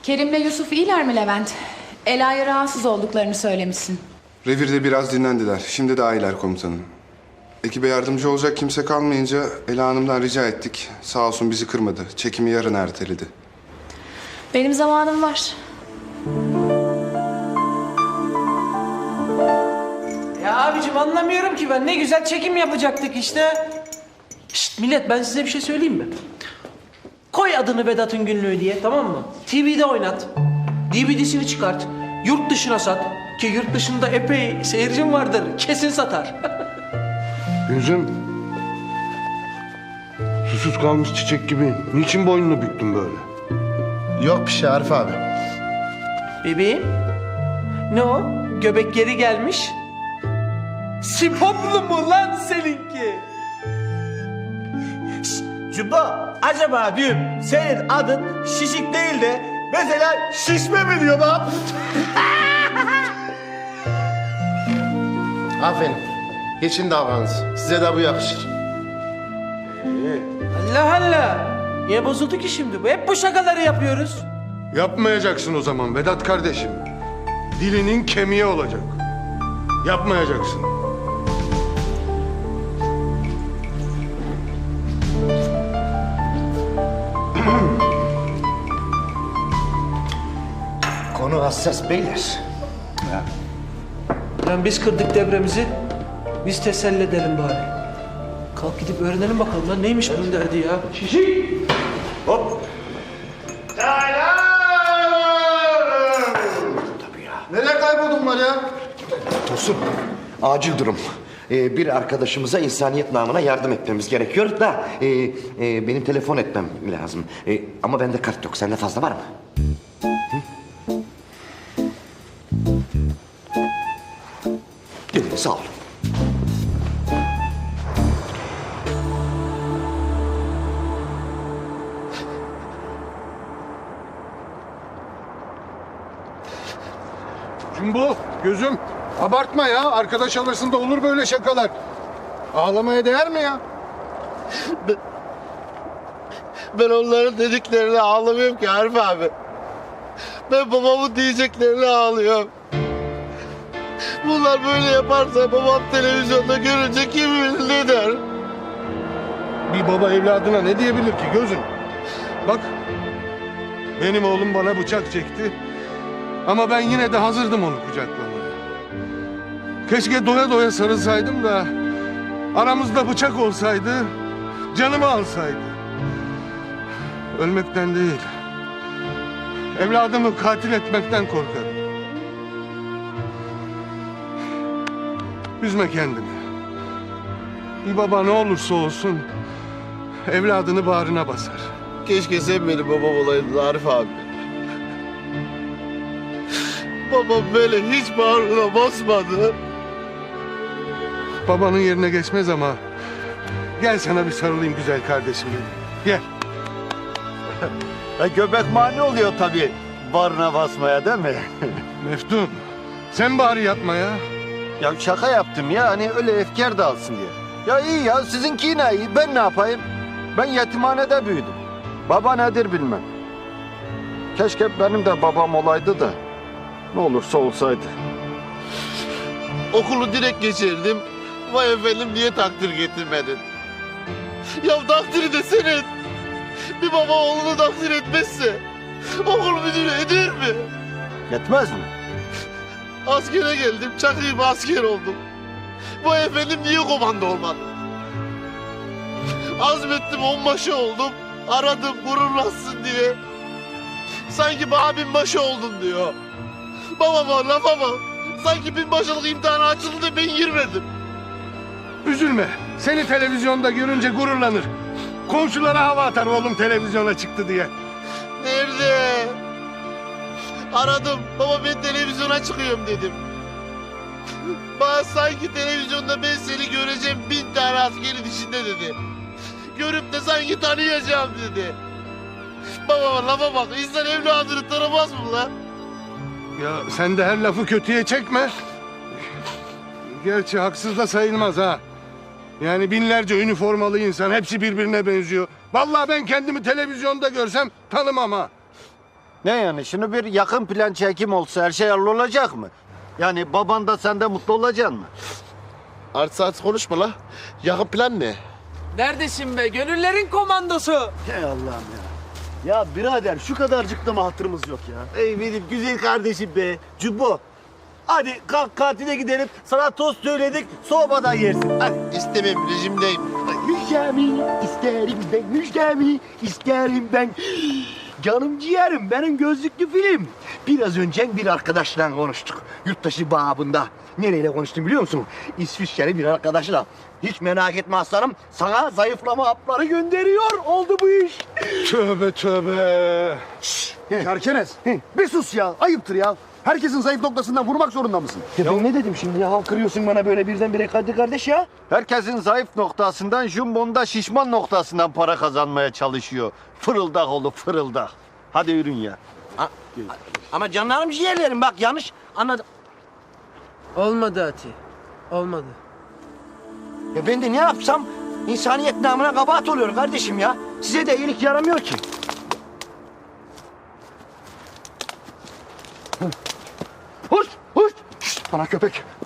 Kerim'le Yusuf iyiler mi Levent? Ela'ya rahatsız olduklarını söylemişsin. Revirde biraz dinlendiler. Şimdi daha iyiler komutanım. Ekibe yardımcı olacak kimse kalmayınca Ela Hanım'dan rica ettik. Sağ olsun bizi kırmadı. Çekimi yarın erteledi. Benim zamanım var. Ya abicim anlamıyorum ki ben. Ne güzel çekim yapacaktık işte. Şşt millet, ben size bir şey söyleyeyim mi? Koy adını Vedat'ın günlüğü diye, tamam mı? TV'de oynat. DVD'sini çıkart. Yurt dışına sat. Ki yurt dışında epey seyircim vardır. Kesin satar. Gözüm. Susuz kalmış çiçek gibi. Niçin boynunu büktün böyle? Yok bir şey Arif abi. Bebeğim. Ne o? Göbek geri gelmiş. Sipoplu mu lan seninki? Cumba, acaba diyorum senin adın şişik değil de mesela şişme mi diyor bak? Aferin. Geçin davranız. Size de bu yakışır. Allah Allah. Niye bozuldu ki şimdi bu? Hep bu şakaları yapıyoruz. Yapmayacaksın o zaman Vedat kardeşim. Dilinin kemiği olacak. Yapmayacaksın. Konu hassas beyler. Lan biz kırdık devremizi. Biz teselli edelim bari. Kalk gidip öğrenelim bakalım lan neymiş bunun derdi ya. Şişik. Hop. Nereye kayboldun var ya? Tosun, acil durum. Bir arkadaşımıza insaniyet namına yardım etmemiz gerekiyor da benim telefon etmem lazım. Ama bende kart yok. Sende fazla var mı? Hı? Sağ ol. Cumbo, gözüm. Abartma ya. Arkadaş arasında olur böyle şakalar. Ağlamaya değer mi ya? Ben onların dediklerine ağlamıyorum ki Arif abi. Ben babamın diyeceklerine ağlıyorum. Bunlar böyle yaparsa babam televizyonda görünce kim bilir ne der? Bir baba evladına ne diyebilir ki gözüm? Bak, benim oğlum bana bıçak çekti. Ama ben yine de hazırdım onu kucaklamaya. Keşke doya doya sarılsaydım da aramızda bıçak olsaydı, canımı alsaydı. Ölmekten değil, evladımı katil etmekten korkarım. Üzme kendini. Bir baba ne olursa olsun evladını bağrına basar. Keşke sen benim babam olaydın Arif abi. Babam böyle hiç bağrına basmadı. Babanın yerine geçmez ama gel sana bir sarılayım güzel kardeşim benim. Gel. Göbek mani oluyor tabii bağrına basmaya değil mi? Meftun, sen bari yapma ya. Ya şaka yaptım ya hani öyle efkar dağılsın diye. Ya iyi ya sizinki yine iyi ben ne yapayım? Ben yetimhanede büyüdüm. Baba nedir bilmem. Keşke benim de babam olaydı da ne olursa olsaydı. Okulu direkt geçirdim. Vay efendim niye takdir getirmedin? Ya takdiri de senin. Bir baba oğlunu takdir etmezse okul müdürü eder mi? Yetmez mi? Askere geldim, çakıyım asker oldum. Vay efendim niye komando olmadı? Azmettim onbaşı oldum. Aradım gururlansın diye. Sanki bana binbaşı oldun diyor. Babama lafa bak. Sanki binbaşılık imtihanı açıldı da ben girmedim. Üzülme. Seni televizyonda görünce gururlanır. Komşulara hava atar oğlum televizyona çıktı diye. Nerede? Aradım. Baba ben televizyona çıkıyorum dedim. Bana sanki televizyonda ben seni göreceğim 1000 tane askerin içinde dedi. Görüp de sanki tanıyacağım dedi. Babama lafa bak. İnsan evladını tanımaz mı lan? Ya sen de her lafı kötüye çekme. Gerçi haksız da sayılmaz ha. Yani binlerce üniformalı insan hepsi birbirine benziyor. Vallahi ben kendimi televizyonda görsem tanımam ha. Ne yani şimdi bir yakın plan çekim olsa her şey hallolacak mı? Yani baban da sen de mutlu olacaksın mı? Artık konuşma la. Yakın plan ne? Neredesin be? Gönüllerin komandosu. Hey Allah'ım ya. Ya birader şu kadarcık da mı hatırımız yok ya? Ey benim güzel kardeşim be. Cubbo. Hadi kalk kantine gidelim. Sana tost söyledik. Soğumadan yersin. Hadi. İstemem, rejimdeyim. Müjdemi isterim ben. Müjdemi isterim ben. Canım ciğerim benim gözlüklü film. Biraz önce bir arkadaşla konuştuk. Yurttaşı babında. Nereyle konuştum biliyor musun? İsviçreli bir arkadaşla. Hiç merak etme aslanım. Sana zayıflama hapları gönderiyor. Oldu bu iş. Tövbe tövbe. Kerkenes. Bir sus ya. Ayıptır ya. Herkesin zayıf noktasından vurmak zorunda mısın? Ya ben ne dedim şimdi ya? Kırıyorsun bana böyle birdenbire kardeş ya. Herkesin zayıf noktasından, Jumbo'nun da şişman noktasından para kazanmaya çalışıyor. Fırıldak oğlu fırıldak. Hadi yürün ya. Ama canlarım ciğerlerim bak yanlış anladım. Olmadı Ati. Olmadı. Ya ben de ne yapsam insaniyet namına kabahat oluyor kardeşim ya. Size de iyilik yaramıyor ki. Hoş, hoş. Şşt, bana köpek.